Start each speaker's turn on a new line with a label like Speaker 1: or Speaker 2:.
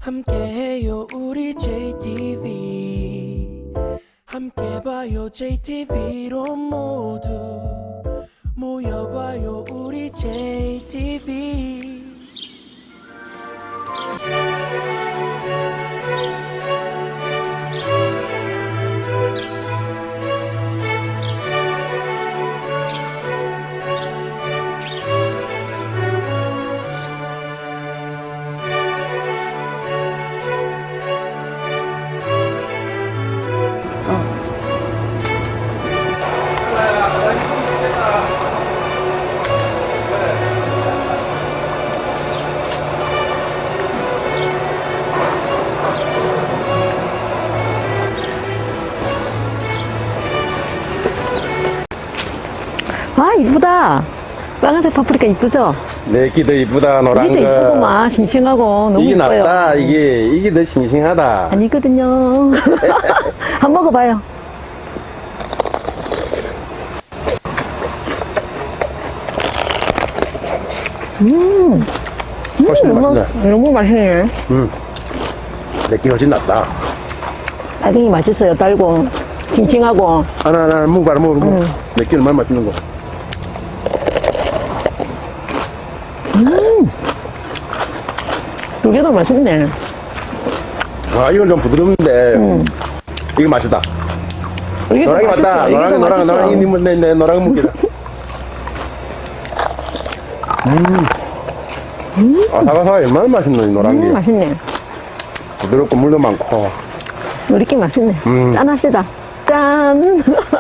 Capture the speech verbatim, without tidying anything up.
Speaker 1: 함께해요 우리 제이티비 함께 봐요 제이티비로 모두 모여봐요 우리 제이티비
Speaker 2: 아, 이쁘다. 빨간색 파프리카 이쁘죠?
Speaker 3: 네, 끼도 이쁘다, 노란
Speaker 2: 이게
Speaker 3: 거.
Speaker 2: 더 이쁘구만. 싱싱하고 너무
Speaker 3: 이게
Speaker 2: 이뻐요.
Speaker 3: 낫다, 이게, 이게 더 싱싱하다.
Speaker 2: 아니거든요. 한번 먹어봐요. 음,
Speaker 3: 훨씬 더
Speaker 2: 너무,
Speaker 3: 맛있네.
Speaker 2: 너무 맛있네.
Speaker 3: 음. 내게 훨씬 낫다.
Speaker 2: 딸기 맛있어요. 달고, 싱싱하고.
Speaker 3: 하나, 하나, 먹어봐라, 먹어봐. 음. 내게 얼마나 맛있는 거.
Speaker 2: 두 개도 맛있네.
Speaker 3: 아, 이건 좀 부드러운데. 음. 이거 맛있다.
Speaker 2: 이게 더
Speaker 3: 노랑이
Speaker 2: 맛있어.
Speaker 3: 맞다.
Speaker 2: 이게 더
Speaker 3: 노랑이, 노랑,
Speaker 2: 맛있어.
Speaker 3: 노랑이, 내, 내, 내 노랑 먹기다. 음. 아, 사과사과 얼마나 맛있노, 이 노란 게.
Speaker 2: 음, 맛있네.
Speaker 3: 부드럽고 물도 많고.
Speaker 2: 우리끼리 맛있네.
Speaker 3: 음.
Speaker 2: 짠합시다. 짠!